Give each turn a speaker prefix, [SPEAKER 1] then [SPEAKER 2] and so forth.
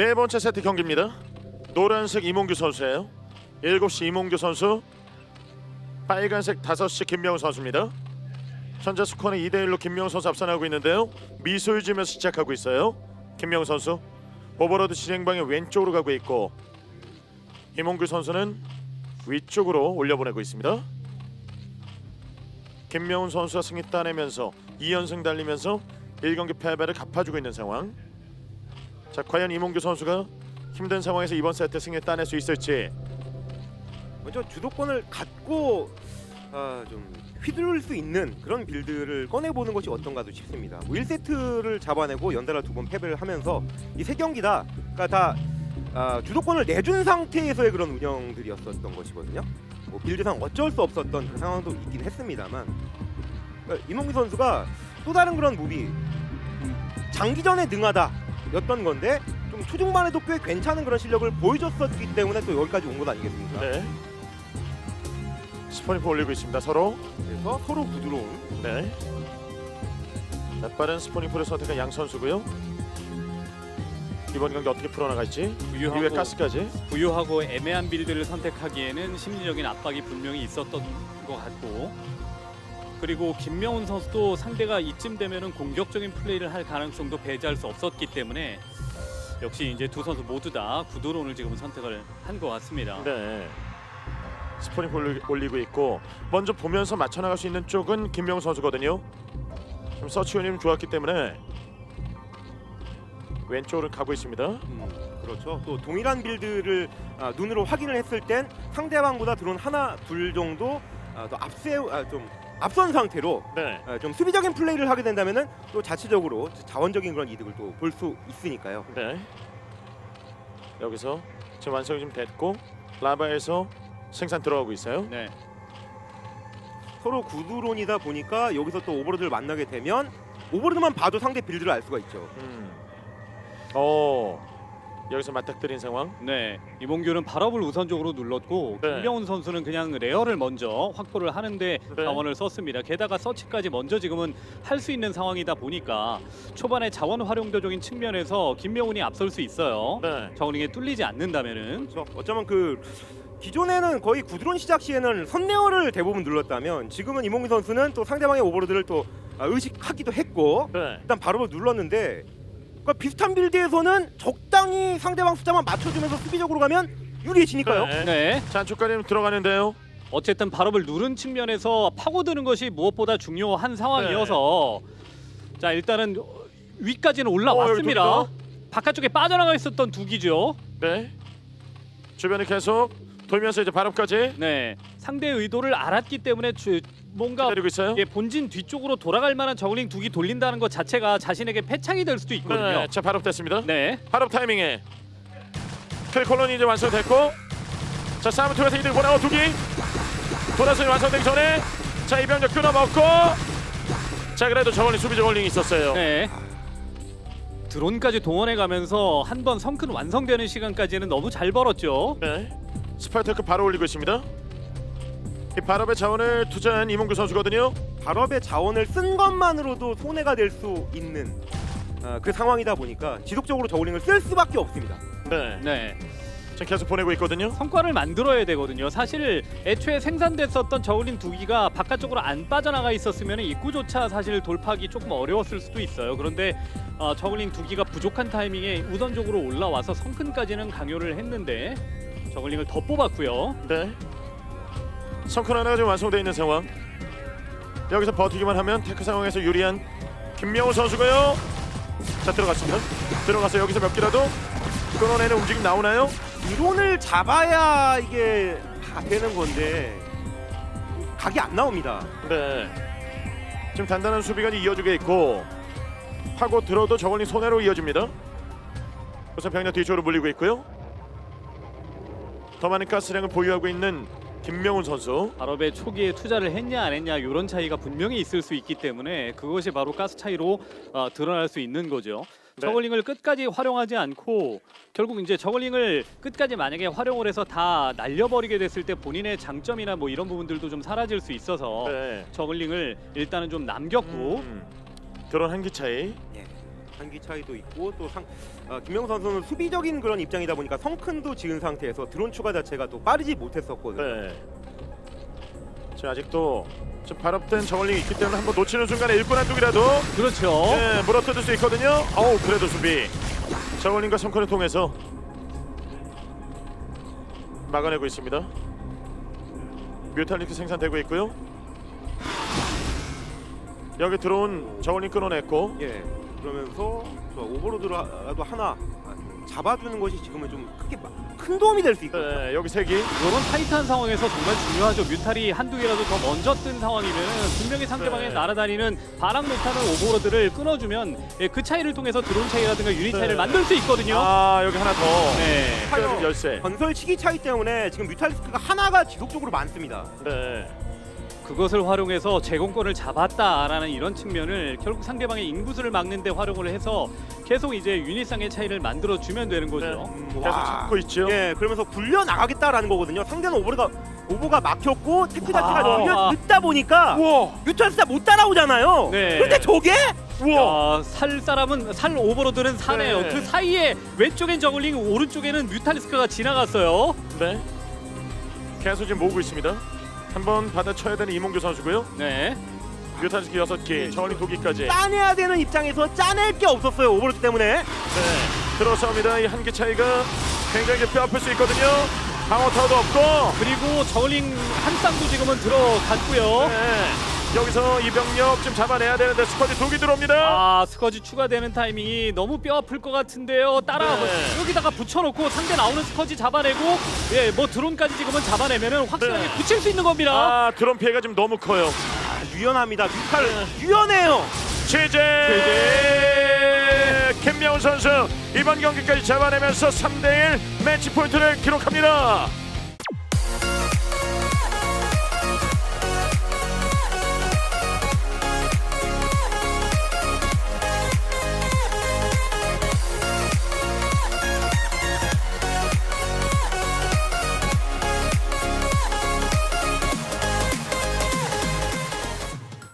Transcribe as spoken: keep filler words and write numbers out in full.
[SPEAKER 1] 네 번째 세트 경기입니다. 노란색 이몽규 선수예요. 일곱 시 이몽규 선수, 빨간색 다섯 시 김명훈 선수입니다. 현재 스코어는 이 대 일로 김명훈 선수 앞서나가고 있는데요. 미소를 지으면서 시작하고 있어요. 김명훈 선수 오버로드 진행방에 왼쪽으로 가고 있고, 이몽규 선수는 위쪽으로 올려보내고 있습니다. 김명훈 선수가 승리 따내면서 이 연승 달리면서 일 경기 패배를 갚아주고 있는 상황. 자, 과연 이몽규 선수가 힘든 상황에서 이번 세트 승리 따낼 수 있을지.
[SPEAKER 2] 먼저 주도권을 갖고 아, 좀 휘두를 수 있는 그런 빌드를 꺼내보는 것이 어떤가도 싶습니다. 뭐 일 세트를 잡아내고 연달아 두 번 패배를 하면서 이 세 경기 다 그러니까 다 아, 주도권을 내준 상태에서의 그런 운영들이었었던 것이거든요. 뭐 빌드상 어쩔 수 없었던 그 상황도 있긴 했습니다만, 그러니까 이몽규 선수가 또 다른 그런 무비, 장기전에 능하다였던 건데 좀 초중반에도 꽤 괜찮은 그런 실력을 보여줬었기 때문에 또 여기까지 온 것 아니겠습니까?
[SPEAKER 1] 네. 스포니프 올리고 있습니다. 서로.
[SPEAKER 2] 그래서 서로 부드러운.
[SPEAKER 1] 네. 자, 빠른 스포니프를 선택한 양 선수고요. 이번 경기 어떻게 풀어나갈지. 이후에
[SPEAKER 3] 부유하고,
[SPEAKER 1] 가스까지.
[SPEAKER 3] 부유하고 애매한 빌드를 선택하기에는 심리적인 압박이 분명히 있었던 것 같고, 그리고 김명훈 선수도 상대가 이쯤 되면은 공격적인 플레이를 할 가능성도 배제할 수 없었기 때문에 역시 이제 두 선수 모두 다 구도론을 지금 선택을 한 것 같습니다.
[SPEAKER 1] 네. 스포니프 올리, 올리고 있고, 먼저 보면서 맞춰나갈 수 있는 쪽은 김명훈 선수거든요. 좀 서치원이 좀 좋았기 때문에 왼쪽으로 가고 있습니다.
[SPEAKER 2] 음, 그렇죠. 또 동일한 빌드를 아, 눈으로 확인을 했을 땐 상대방보다 드론 하나 둘 정도 아, 더 앞세 아, 좀 앞선 상태로
[SPEAKER 1] 네.
[SPEAKER 2] 아, 좀 수비적인 플레이를 하게 된다면은 또 자체적으로 자원적인 그런 이득을 또 볼 수 있으니까요.
[SPEAKER 1] 네. 여기서 지금 완성이 좀 됐고, 라바에서 생산 들어가고 있어요.
[SPEAKER 3] 네.
[SPEAKER 2] 서로 구두론이다 보니까 여기서 또 오버로드를 만나게 되면 오버로드만 봐도 상대 빌드를 알 수가 있죠.
[SPEAKER 1] 음. 어. 여기서 맞닥뜨린 상황.
[SPEAKER 3] 네, 이몽규는 발업을 우선적으로 눌렀고,
[SPEAKER 1] 네.
[SPEAKER 3] 김명훈 선수는 그냥 레어를 먼저 확보를 하는데
[SPEAKER 1] 네.
[SPEAKER 3] 자원을 썼습니다. 게다가 서치까지 먼저 지금은 할 수 있는 상황이다 보니까 초반에 자원 활용도적인 측면에서 김명훈이 앞설 수 있어요.
[SPEAKER 1] 네.
[SPEAKER 3] 저글링에 뚫리지 않는다면은.
[SPEAKER 2] 그렇죠. 어쩌면 그 기존에는 거의 구드론 시작 시에는 선레어를 대부분 눌렀다면 지금은 이몽규 선수는 또 상대방의 오버로드를 또 아, 의식하기도 했고
[SPEAKER 1] 네.
[SPEAKER 2] 일단 발업을 눌렀는데, 그러니까 비슷한 빌드에서는 적당히 상대방 숫자만 맞춰주면서 수비적으로 가면 유리해지니까요.
[SPEAKER 1] 네.
[SPEAKER 3] 네.
[SPEAKER 1] 자, 안쪽까지 들어가는데요.
[SPEAKER 3] 어쨌든 발업을 누른 측면에서 파고드는 것이 무엇보다 중요한 상황이어서 자, 일단은 위까지는 올라왔습니다.
[SPEAKER 1] 어, 여기
[SPEAKER 3] 바깥쪽에 빠져나가 있었던 두기죠.
[SPEAKER 1] 네. 주변에 계속 돌면서 이제 발업까지
[SPEAKER 3] 네, 상대의 의도를 알았기 때문에 주, 뭔가
[SPEAKER 1] 기다리고 있어요.
[SPEAKER 3] 예, 본진 뒤쪽으로 돌아갈 만한 저글링 두기 돌린다는 것 자체가 자신에게 패착이 될 수도 있거든요.
[SPEAKER 1] 네. 자, 발업됐습니다.
[SPEAKER 3] 네,
[SPEAKER 1] 발업 타이밍에 킬 콜론이 이제 완성됐고, 자, 싸움 통해서 이득 보내고 두기 돌아서 완성되기 전에 자, 이 병력 끊어먹고, 자, 그래도 저걸링 수비 저걸링이 있었어요.
[SPEAKER 3] 네. 드론까지 동원해가면서 한 번 성큰 완성되는 시간까지는 너무 잘 벌었죠.
[SPEAKER 1] 네. 스파이터크 바로 올리고 있습니다. 이 발업의 자원을 투자한 이몽규 선수거든요.
[SPEAKER 2] 발업의 자원을 쓴 것만으로도 손해가 될 수 있는 아, 그 상황이다 보니까 지속적으로 저울링을 쓸 수밖에 없습니다.
[SPEAKER 1] 네.
[SPEAKER 3] 네,
[SPEAKER 1] 지금 계속 보내고 있거든요.
[SPEAKER 3] 성과를 만들어야 되거든요. 사실 애초에 생산됐었던 저울링 두기가 바깥쪽으로 안 빠져나가 있었으면 입구조차 사실 돌파하기 조금 어려웠을 수도 있어요. 그런데 어, 저글링 두기가 부족한 타이밍에 우선적으로 올라와서 성큰까지는 강요를 했는데 저글링을 더 뽑았고요.
[SPEAKER 1] 네. 성큰 하나가 지금 완성되어 있는 상황. 여기서 버티기만 하면 테크 상황에서 유리한 김명훈 선수고요. 자, 들어갔습니다. 들어가서 여기서 몇 개라도 끊어내는 움직임 나오나요?
[SPEAKER 2] 이론을 잡아야 이게 다 되는 건데 각이 안 나옵니다.
[SPEAKER 1] 네. 지금 단단한 수비가 이어지게 있고, 파고 들어도 저걸링 손해로 이어집니다. 우선 병력 뒤쪽으로 물리고 있고요. 더 많은 가스량을 보유하고 있는 김명훈 선수.
[SPEAKER 3] 발업에 초기에 투자를 했냐 안 했냐 이런 차이가 분명히 있을 수 있기 때문에 그것이 바로 가스 차이로 어, 드러날 수 있는 거죠.
[SPEAKER 1] 네.
[SPEAKER 3] 저글링을 끝까지 활용하지 않고 결국 이제 저글링을 끝까지 만약에 활용을 해서 다 날려버리게 됐을 때 본인의 장점이나 뭐 이런 부분들도 좀 사라질 수 있어서
[SPEAKER 1] 네.
[SPEAKER 3] 저글링을 일단은 좀 남겼고
[SPEAKER 1] 음, 드론 한 기 차이.
[SPEAKER 2] 예. 한기 차이도 있고 또 상, 어, 김명우 선수는 수비적인 그런 입장이다 보니까 성큰도 지은 상태에서 드론 추가 자체가 또 빠르지 못했었거든요.
[SPEAKER 1] 네. 자, 아직도 좀 발업된 저울링이 있기 때문에 한번 놓치는 순간에 일꾼 한쪽이라도
[SPEAKER 3] 그렇죠.
[SPEAKER 1] 네, 물어뜯을 수 있거든요. 어우, 그래도 수비 저울링과 성큰을 통해서 막아내고 있습니다. 뮤탈리크 생산되고 있고요. 여기 들어온 저울링 끊어냈고
[SPEAKER 2] 예. 그러면서 저 오버로드라도 하나 잡아주는 것이 지금은 좀 크게 마- 큰 도움이 될 수 있거든요.
[SPEAKER 1] 네, 여기 세 기.
[SPEAKER 3] 이런 타이트한 상황에서 정말 중요하죠. 뮤탈이 한두 개라도 더 먼저 뜬 상황이면 분명히 상대방의
[SPEAKER 1] 네.
[SPEAKER 3] 날아다니는 바람 못하는 오버로드를 끊어주면 예, 그 차이를 통해서 드론 차이라든가 유닛 차이를
[SPEAKER 1] 네.
[SPEAKER 3] 만들 수 있거든요.
[SPEAKER 1] 아, 여기 하나 더.
[SPEAKER 3] 네.
[SPEAKER 1] 뼈 열쇠.
[SPEAKER 2] 건설 시기 차이 때문에 지금 뮤탈리스크가 하나가 지속적으로 많습니다.
[SPEAKER 1] 네.
[SPEAKER 3] 그것을 활용해서 제공권을 잡았다라는 이런 측면을 결국 상대방의 인구수를 막는 데 활용을 해서 계속 이제 유닛상의 차이를 만들어 주면 되는 거죠.
[SPEAKER 2] 음,
[SPEAKER 1] 계속
[SPEAKER 2] 와.
[SPEAKER 1] 찾고 있죠.
[SPEAKER 2] 예, 그러면서 굴려 나가겠다라는 거거든요. 상대는 오버가 오버가 막혔고 테크 자체가
[SPEAKER 3] 와.
[SPEAKER 2] 너무 늦다 보니까
[SPEAKER 1] 우와.
[SPEAKER 2] 뮤탈리스크가 못 따라오잖아요.
[SPEAKER 3] 네.
[SPEAKER 2] 근데 저게
[SPEAKER 1] 우와.
[SPEAKER 3] 야, 살 사람은 살 오버로드는 사네요.
[SPEAKER 1] 네.
[SPEAKER 3] 그 사이에 왼쪽엔 저글링, 오른쪽에는 뮤탈리스크가 지나갔어요.
[SPEAKER 1] 네. 계속 지금 모으고 있습니다. 한번 받아쳐야 되는 이몽규 선수고요.
[SPEAKER 3] 네.
[SPEAKER 1] 뮤탄스키 여섯 기, 저울링 두 기까지.
[SPEAKER 2] 짜내야 되는 입장에서 짜낼 게 없었어요. 오버로드 때문에.
[SPEAKER 1] 네. 들어서옵니다. 이 한 개 차이가 굉장히 뼈 아플 수 있거든요. 방어 타워도 없고.
[SPEAKER 3] 그리고 저글링 한 쌍도 지금은 들어갔고요.
[SPEAKER 1] 네. 여기서 이 병력 좀 잡아내야 되는데 스쿼드 두 개 들어옵니다.
[SPEAKER 3] 아, 스커지 추가되는 타이밍이 너무 뼈 아플 것 같은데요. 따라
[SPEAKER 1] 네.
[SPEAKER 3] 여기다가 붙여놓고 상대 나오는 스커지 잡아내고, 예, 뭐 드론까지 지금은 잡아내면은 확실하게
[SPEAKER 1] 네.
[SPEAKER 3] 붙일 수 있는 겁니다.
[SPEAKER 1] 아, 드론 피해가 지금 너무 커요.
[SPEAKER 2] 아, 유연합니다. 뮤탈
[SPEAKER 1] 네.
[SPEAKER 2] 유연해요.
[SPEAKER 1] 최재 김명훈 선수 이번 경기까지 잡아내면서 삼 대 일 매치 포인트를 기록합니다.